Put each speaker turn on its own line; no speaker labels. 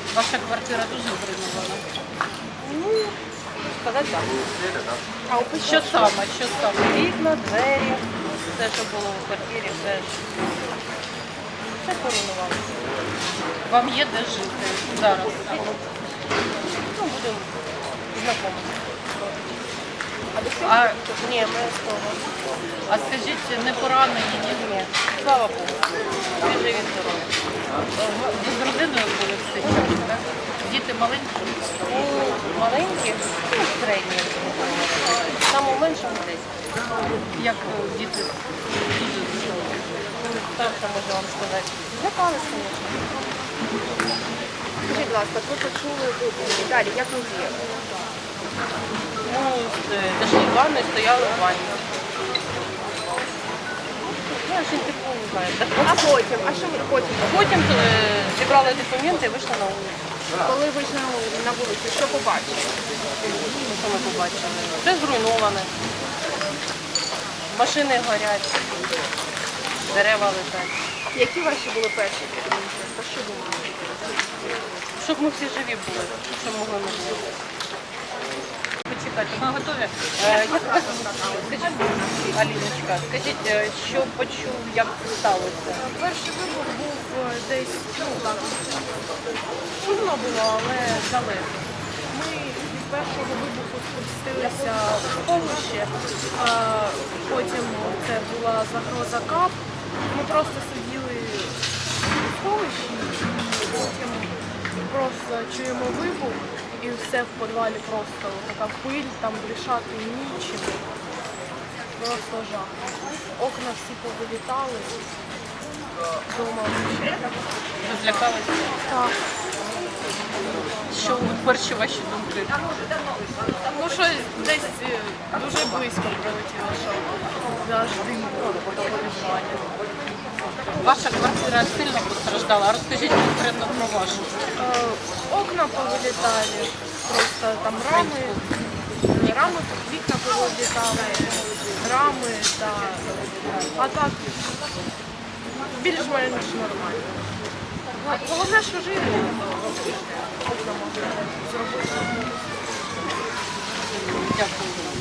Ваша квартира дуже зруйнована.
Ну, сказати так. А у печі
Що саме? Що саме?
вікна, двері, все, що було в квартирі, все поруйнувалося.
Вам є де жити зараз?
Ну, будемо знайомитися.
А,
Ні, ми з того.
а скажіть, не поранені, ні?
Ні, слава Богу. Всі живі здорові.
Ви з родиною були в цей час, так? Діти маленькі?
У маленьких, ну, середні. Самому меншому десь.
Як діти дуже здорові?
Так, що можу вам сказати. Злякалися, звісно.
Скажіть, будь ласка, ви почули вибухи. Далі, як ви діяли?
Ну, зайшли в ванну і стояли в ванні. Ну, я ж не типу, не знаю.
А потім? А що ви потім?
Потім зібрали документи і вийшли на вулицю.
Коли вийшли на вулицю, що побачили?
Що ми побачили? Все зруйноване. Машини горять, дерева летять.
Які ваші були перші думки? Про що думали?
Щоб ми всі живі були, що могли ми бути.
Почекайте, ми готові.
Як вас скажіть, Аліночка, скажіть, що почув, як це сталося?
Перший вибух був десь, ну так, шумно було, але далеко. Ми від першого вибуху спустилися в сховище, потім це була загроза КАП. Ми просто сиділи у сховищі, і потім просто чуємо вибух і все в підвалі просто така пиль, там дишати нічим. Просто жах. Окна всі повилітали. Дома ще.
Ви злякалися?
Так.
Що перші ваші думки?
Ну що десь дуже близько прилетіло, що завжди того відчування.
Ваша квартира сильно постраждала. Розкажіть конкретно про вашу.
Окна повилітали, просто там рами, вікна повилітали, рами, та... а так більш-менш нормально. Головне, що живі, окна можна зробити.
Дякую.